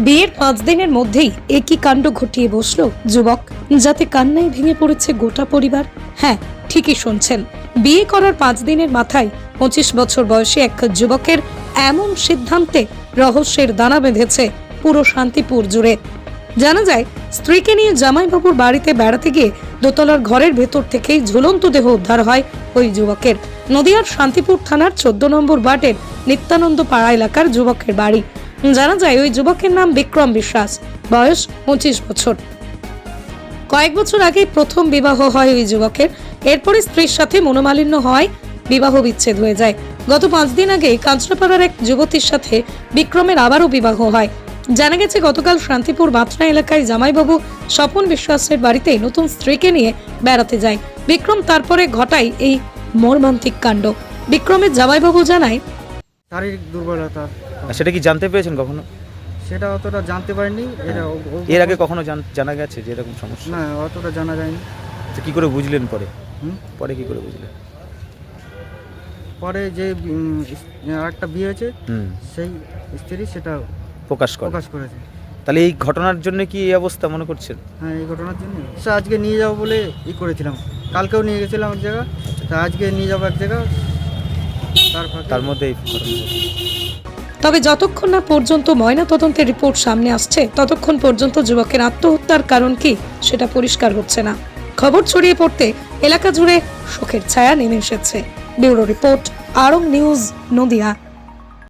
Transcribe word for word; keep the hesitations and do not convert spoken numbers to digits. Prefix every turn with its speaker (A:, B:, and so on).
A: বিয়ের পাঁচ দিনের মধ্যেই একই কাণ্ড ঘটিয়ে বসলো যুবক, যাতে কান্নায় ভেঙে পড়েছে গোটা পরিবার। হ্যাঁ, ঠিকই শুনছেন, বিয়ে করার পাঁচ দিনের মাথায় পঁচিশ বছর বয়সী এক যুবকের এমন সিদ্ধান্তে রহস্যের দানা বেঁধেছে পুরো শান্তিপুর জুড়ে। জানা যায়, স্ত্রীকে নিয়ে জামাইবাবুর বাড়িতে বেড়াতে গিয়ে দোতলার ঘরের ভেতর থেকেই ঝুলন্ত দেহ উদ্ধার হয় ওই যুবকের। নদিয়ার শান্তিপুর থানার চোদ্দ নম্বর ওয়ার্ডের নিত্যানন্দ পাড়া এলাকার যুবকের বাড়ি। জানা যায়, ওই যুবকের নাম বিক্রম বিশ্বাস, বয়স পঁচিশ বছর। কয়েক বছর আগে প্রথম বিবাহ হয় ওই যুবকের। এরপরে স্ত্রীর সাথে মনোমালিন্য হয়, বিবাহ বিচ্ছেদ হয়ে যায়। গত পাঁচ দিন আগে কাঁচরাপাড়ার এক যুবতীর সাথে বিক্রমের আবারও বিবাহ হয়। জানা গেছে, গতকাল শান্তিপুর বাতনা এলাকায় জামাইবাবু স্বপন বিশ্বাসের বাড়িতে নতুন স্ত্রীকে নিয়ে বেড়াতে যায় বিক্রম। তারপরে ঘটায় এই মর্মান্তিক কাণ্ড। বিক্রমের জামাইবাবু জানায়,
B: শারীরিক দুর্বলতা।
C: সেটা কি জানতে পেরেছেন কখনো?
B: সেটা অতটা জানতে পারিনি। এটা ও- ও-
C: এর আগে কখনো জান- জানা গেছে যে এরকম সমস্যা?
B: না, অতটা জানা যায়নি।
C: তো কি করে বুঝলেন পরে?
B: হুম?
C: পরে কি করে বুঝলেন?
B: পরে যে উম, আরেকটা বিয়ে হয়েছে,
C: হুম,
B: সেই স্ত্রী সেটা
C: প্রকাশ করে।
B: প্রকাশ করেছে।
C: তাহলে এই ঘটনার জন্য কি এই অবস্থা মনে করছেন?
B: হ্যাঁ, এই ঘটনার জন্য সে আজকে নিয়ে যাবো বলে ই করেছিলাম। কালকেও নিয়ে গেছিলাম এক জায়গা, তা আজকে নিয়ে যাবো এক জায়গা। তার ফাঁকে-
C: তার মধ্যে এই ঘটনা ঘটে।
A: তবে যতক্ষণ না পর্যন্ত ময়না তদন্তের রিপোর্ট সামনে আসছে, ততক্ষণ পর্যন্ত যুবকের আত্মহত্যার কারণ কি সেটা পরিষ্কার হচ্ছে না। খবর ছড়িয়ে পড়তে এলাকা জুড়ে শোকের ছায়া নেমে এসেছে। ব্যুরো রিপোর্ট, আরং নিউজ, নদিয়া।